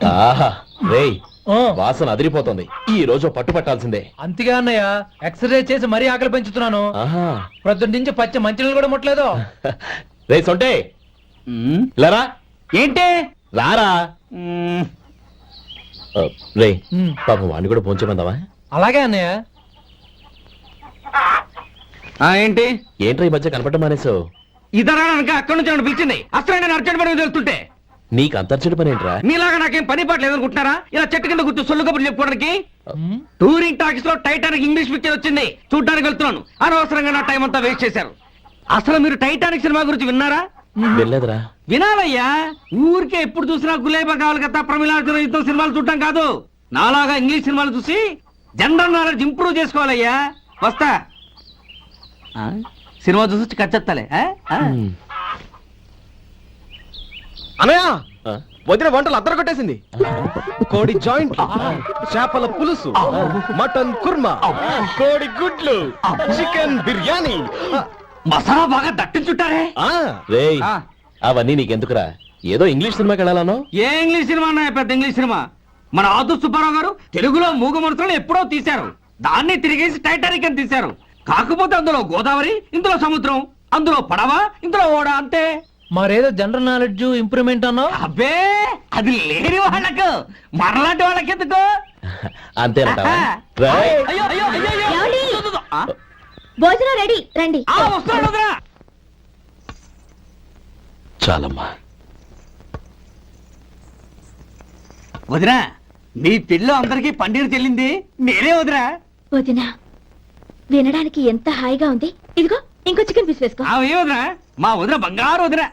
ఆహా రేయ్ వాసన అదిరిపోతుంది. ఈ రోజు పట్టుపట్టాల్సిందే. అంతగా అన్నయ్య, ఎక్సర్సైజ్ చేసి మరీ ఆకలి పెంచుతున్నాను. ఆహా ప్రొద్దున నుంచి పచ్చ మంచినీళ్ళు కూడా ముట్టలేదు. రే సొంటే లేరా, ఏంటి రారా. రే పాపం వాడిని కూడా పోంచమందావా? అలాగే అన్నయ్య. ఏంటి ఏంట్రా ఈ మధ్య కనపడటం మానేసావు? ఇద్దరు అక్కడి నుంచి నన్ను పిలిచింది. అసలు నేను అర్జెంట్ పని వెళ్తుంటే నీకు అంతర్చడి పని ఏంట్రా? మీలాగా నాకేం పని పాట లేదనుకుంటున్నారా? ఇలా చెట్టు కింద కూర్చో సొల్లు కబుర్లు చెప్పుకోవడానికి. టూరింగ్ టాకీస్ లో టైటానిక్ ఇంగ్లీష్ పిక్చర్ వచ్చింది, చూడడానికి వెళ్తున్నాను. అనవసరంగా నా టైం అంతా వేస్ట్ చేశారు. అసలు మీరు టైటానిక్ సినిమా గురించి విన్నారా? వెళ్ళలేదురా. వినాలయ్యా. ఊరికే ఎప్పుడు చూసినా గులేబా కావాలి కదా, ప్రమిళార్జున యుద్ధం సినిమాలు చూడటం కాదు. నాలాగా ఇంగ్లీష్ సినిమాలు చూసి జనరల్ నాలెడ్జ్ ఇంప్రూవ్ చేసుకోవాలయ్యా. వస్తా. సినిమా చూసి కచ్చెత్తాలే. అనయ్య ఆ? వదిన వంటలు అద్దరు కొట్టేసింది. కోడి జాయింట్, చేపల పులుసు, మటన్ కుర్మా, కోడి గుడ్లు, చికెన్ బిర్యానీ. మసాలా బాగా దట్టించుంటారే. రేయ్ అవన్నీ నీకెందుకురా? ఏదో ఇంగ్లీష్ సినిమాకి వెళ్ళాలను. ఏ ఇంగ్లీష్ సినిమా అన్నా? పెద్ద ఇంగ్లీష్ సినిమా. మన ఆదు సుబ్బారావు గారు తెలుగులో మూగ మనుషులను ఎప్పుడో తీశారు. దాన్ని తిరిగేసి టైటానిక్ అని తీశారు. కాకపోతే అందులో గోదావరి, ఇందులో సముద్రం, అందులో పడవ, ఇందులో ఓడ, అంతే. మరేదో జనరల్ నాలెడ్జ్ ఇంప్రూవ్మెంట్ అన్నావు. అబ్బే అది లేని వాళ్ళకు, మనలాంటి వాళ్ళకి ఎందుకు? అంతేనంటావా? ఆహా. రేయ్. అయ్యో, అయ్యో, అయ్యో, అయ్యో. ఏమండి? ఆ? భోజనం రెడీ, రండి. వస్తున్నాడు వదినా. చాలమ్మా. వదినా, మీ పిల్ల అందరికీ పన్నీరు చెల్లింది నేనే వదినా. వదినా, వినడానికి ఎంత హాయిగా ఉంది. ఇదిగో ఇంకో చికెన్ పీస్ వేసుకో. ఏ వదినా? మా వదిన బంగారు వదినా.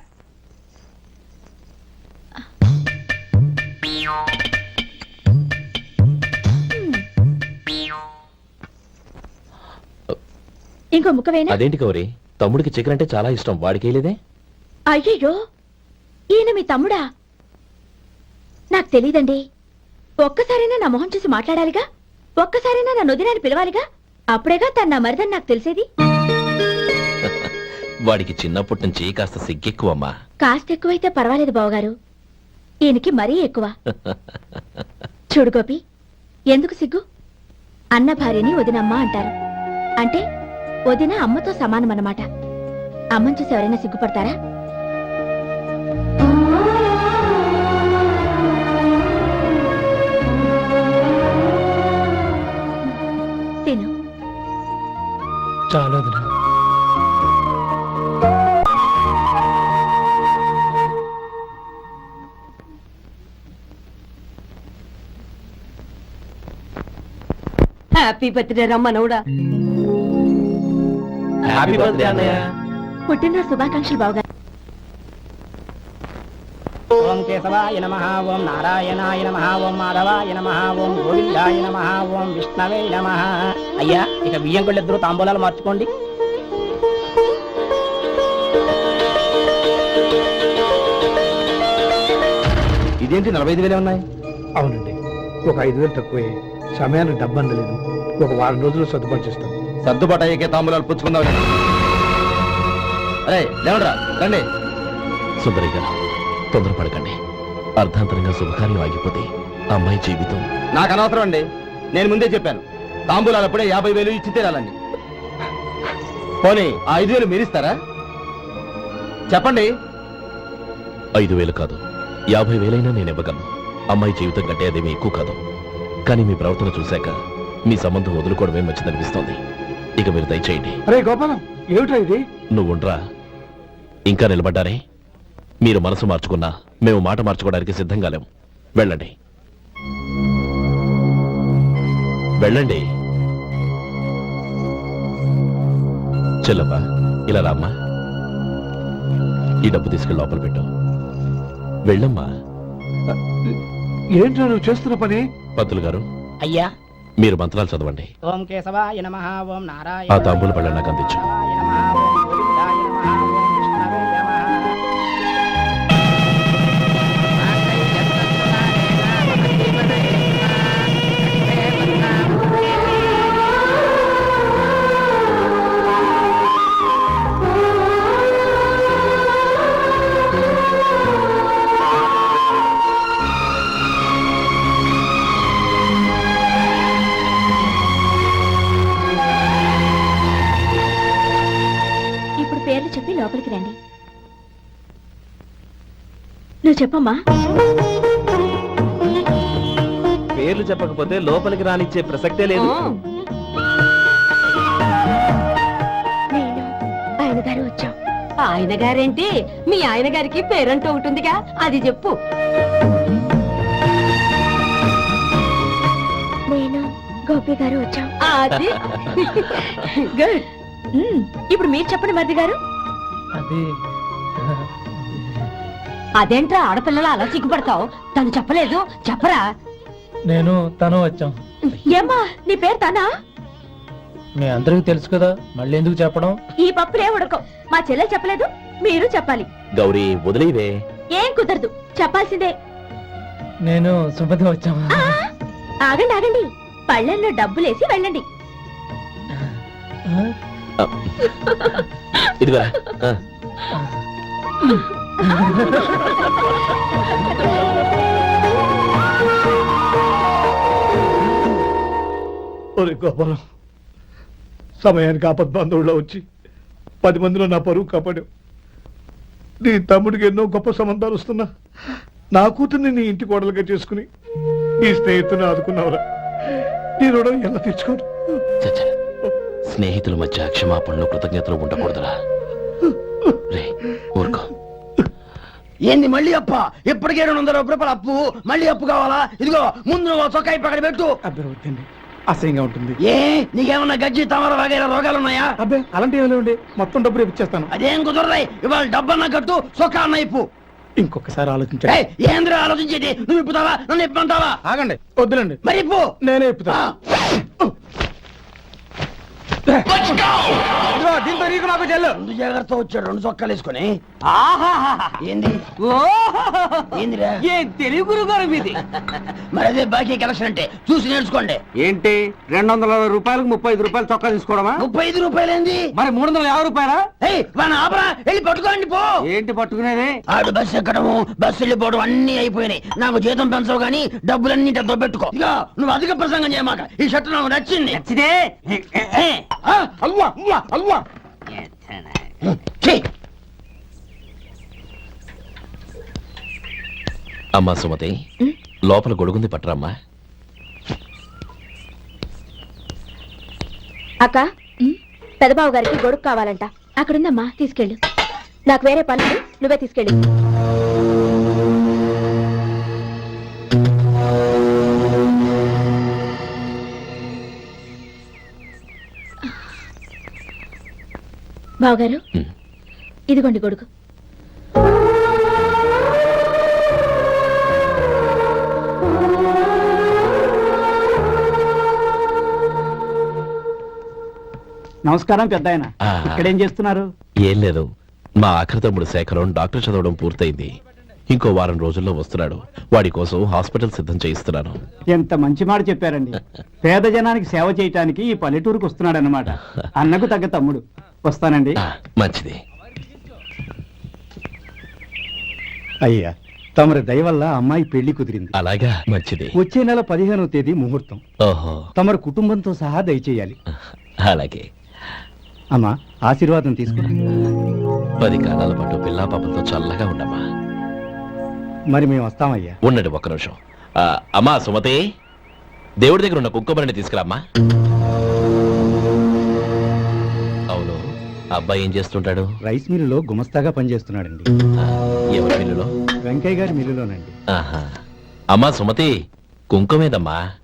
ఇంకో ముక్క వేనా? అదేంటి కౌరి, తమ్ముడికి చికెన్ అంటే చాలా ఇష్టం, వాడికి వేయలేదే? అయ్యయ్యో, ఈయన మీ తమ్ముడా? నాకు తెలీదండి. ఒక్కసారైనా నా మొహం చూసి మాట్లాడాలిగా, ఒక్కసారైనా నా నొదినాన్ని పిలవాలిగా. అప్పుడేగా తన నా మరిదని నాకు తెలిసేది. వాడికి చిన్నప్పటి నుంచి కాస్త సిగ్గెక్కువమ్మా. కాస్త ఎక్కువైతే పర్వాలేదు బావగారు, ఈయనకి మరీ ఎక్కువ. చూడు గోపి, ఎందుకు సిగ్గు? అన్న భార్యని వదినమ్మ అంటారు. అంటే వదిన అమ్మతో సమానం అన్నమాట. అమ్మని చూసి ఎవరైనా సిగ్గుపడతారా? తిను. చాలా వదినా. హ్యాపీ బర్త్డే రమ్మనవుడా. హ్యాపీ బర్త్డే అన్నయ్య. పుట్టినరోజు శుభాకాంక్షలు బావగారు. ఓం కేశవాయ నమః, ఓం నారాయణాయ నమః, ఓం మాధవాయ నమః, ఓం గోవిందాయ నమః, ఓం విష్ణవే నమః. అయ్యా, ఇక బియ్యం కొళ్ళిద్దరూ తాంబూలాలు మార్చుకోండి. ఇదేంటి 45,000 ఉన్నాయి? అవునండి, ఒక 5,000 తక్కువే. సమయానికి డబ్బు అందలేదు. ఒక వారం రోజులు సర్దుబాటు చేస్తాం. సర్దుబాటు అయ్యే తాంబూలాలు పుచ్చుకుందాం. అరే లేవడరా, రండి. సుందరి గారు, తొందరపడకండి. అర్ధాంతరంగా శుభకార్యం ఆగిపోతే అమ్మాయి జీవితం. నాకు అనవసరం అండి, నేను ముందే చెప్పాను. తాంబూలాలప్పుడే 50,000 ఇచ్చి తీరాలండి. పోనీ ఆ 5,000 మీరిస్తారా? చెప్పండి. 5,000 కాదు, 50,000 నేను ఇవ్వగలను. అమ్మాయి జీవితం కంటే అదేమీ ఎక్కువ కాదు. కానీ మీ ప్రవర్తన చూశాక మీ సంబంధం వదులుకోవడమే మంచిదనిపిస్తోంది. ఇక మీరు దయచేయండి. అరే గోపాలం, ఏమిటా ఇది? నువ్వుండ్రా. ఇంకా నిలబడ్డారే? మీరు మనసు మార్చుకున్నా మేము మాట మార్చుకోవడానికి సిద్ధంగా లేము. వెళ్ళండి, వెళ్ళండి. చెల్లమ్మా, ఇలా రామ్మా. ఈ డబ్బు తీసుకెళ్ళి లోపల పెట్టు. వెళ్ళమ్మా. ఏంట్రా నువ్వు చేస్తున్న పని? పంతులు గారు, అయ్యా, మీరు మంత్రాలు చదవండి. ఓం కేశవాయ నమః, ఓం ఆ నారాయణాయ తాంబూల పళ్ళ నాకు అందించు. నమః, ఓం గోవిందాయ నమః, ఓం విష్ణవే నమః. చెప్పమ్మా. పేర్లు చెప్పకపోతే లోపలికి రానిచ్చే ప్రసక్తే లేదు. నేను ఆయన గారు వచ్చాం. ఆయన గారేంటి, మీ ఆయన గారికి పేరంటూ ఉంటుందిగా, అది చెప్పు. నేను గోపి గారు వచ్చాం. అది గుడ్. ఇప్పుడు మీరు చెప్పండి మరిది గారు. అది అదేంట్రా ఆడపిల్లలు అలా సిగ్గుపడతావు? తను చెప్పలేదు, చెప్పరా. నేను తను వచ్చాం. ఏమ్మా నీ పేరు తానా? మీ అందరికి తెలుసు కదా, మళ్ళీ ఎందుకు చెప్పడం? ఈ పప్పులే ఉడకం. మా చెల్లె చెప్పలేదు, మీరు చెప్పాలి. గౌరీ వదిలేవే. ఏం కుదరదు, చెప్పాల్సిందే. నేను సుమతి వచ్చాం. ఆ, ఆగండి ఆగండి, పళ్ళెంలో డబ్బులేసి వెళ్ళండి. ఇదిగా ఒరే గోపాలం, సమయానికి ఆపద్బంధువుల్లో వచ్చి 10 మందిలో నా పరువు కాపాడావు. నీ తమ్ముడికి ఎన్నో గొప్ప సంబంధాలు వస్తున్నా నా కూతుర్ని నీ ఇంటి కోడలుగా చేసుకుని నీ స్నేహితుని ఆదుకున్నావురా. నీ రుణం ఎలా తెచ్చుకోరు? చచ్చ, స్నేహితుల మధ్య క్షమాపణలు కృతజ్ఞతలు ఉండకూడదురా. రే ఊరుకో. ఏంది మళ్ళీ అప్ప? ఇప్పటికే 200 రూపాయల అప్పు, మళ్ళీ అప్పు కావాలా? ఇదిగో ముందు నువ్వు చొక్కా పక్కన పెట్టు. అబ్బే వద్దండి, అసహ్యంగా ఉంటుంది. ఏ నీకేమన్నా గజ్జి తమర వగైరా రోగాలున్నాయా? అబ్బే అలాంటివి ఏమీ లేవండి, మొత్తం డబ్బు రేపు ఇచ్చేస్తాను. అదేం కుదరదాయి. ఇవాళ డబ్బన్నా కట్టు, చొక్కా అన్న ఇప్పు. ఇంకొకసారి ఆలోచించండి. ఏయ్, ఏంద్రా ఆలోచించేది? నువ్వు ఇప్పుతావా, నన్ను ఇప్పమంటావా? ఆగండి, వద్దులండి, మరి ఇప్పు. నేనే ఇప్పుతా. దీంతో నీకు నాకు చెల్లు. ముందు జాగ్రత్త వచ్చాడు 2 చొక్కాలు వేసుకొని. ఆహాహాహా. ఏంది ఏందిరా? ఏ తెలుగు గారు మీది. మరి అదే బాకీ కలెక్షన్ అంటే చూసి నేర్చుకోండి. ఏంటి 260 రూపాయలకు 35 రూపాయలు చొక్కా తీసుకోవడమా? 35 రూపాయలు ఏంది? మరి 350 రూపాయలా? ఏయ్ వాడిని ఆపరా, వెళ్ళి పట్టుకోండి పో. ఏంటి పట్టుకునేది? ఆడు బస్సు ఎక్కడము, బస్సు వెళ్ళిపోవడం అన్ని అయిపోయినాయి. నాకు జీతం పెంచవు గానీ డబ్బులన్నీ దొబ్బెట్టుకో. ఇక నువ్వు అధిక ప్రసంగం చేయమాక. ఈ షర్ట్ నాకు నచ్చింది. నచ్చితే అల్వా అల్వా అల్వా. ఛీ! అమ్మా సుమతి, లోపల గొడుగుంది పట్టరమ్మా. అక్క, పెదబాబు గారికి గొడుగు కావాలంట. అక్కడుందమ్మా, తీసుకెళ్ళు. నాకు వేరే పనులు, నువ్వే తీసుకెళ్ళు. బావగారు, ఇదిగోండి గొడుగు. నమస్కారం పెద్ద ఆయన. ఆ. ఇక్కడేం చేస్తున్నారు? ఏం లేదు, మా ఆఖరి తమ్ముడు శేఖరం డాక్టర్ చదవడం పూర్తయింది. ఇంకో వారం రోజుల్లో వస్తున్నాడు. వాడి కోసం హాస్పిటల్ సిద్ధం చేయిస్తున్నాను. ఎంత మంచి మాట చెప్పారండి. పేద జనానికి సేవ చేయటానికి ఈ పల్లెటూరుకు వస్తున్నాడు అన్నమాట. అన్నకు తగ్గ తమ్ముడు. వస్తానండి. మంచిది. అయ్యా, తమరి దయ వల్ల అమ్మాయి పెళ్లి కుదిరింది. అలాగా, మంచిది. వచ్చే నెల 15వ తేదీ ముహూర్తం. ఓహో, తమరి కుటుంబంతో సహా దయచేయాలి. అలాగే. అమ్మా, ఆశీర్వాదం తీసుకో. 10 కాలాల పాటు పిల్లా పాపంతో చల్లగా ఉండమ్మా. మరి మేము వస్తామయ్యా. ఉండండి ఒక్క నిమిషం. అమ్మా సుమతి, దేవుడి దగ్గర ఉన్న కుంకుమని తీసుకురామ్మా. అవును, అబ్బాయి ఏం చేస్తుంటాడు? రైస్ మిల్లులో గుమస్తాగా పనిచేస్తున్నాడండి. ఎవరి మిల్లులో? వెంకయ్య గారి మిల్లులోనండి. ఆహా. అమ్మా సుమతి, కుంకుమేదమ్మా.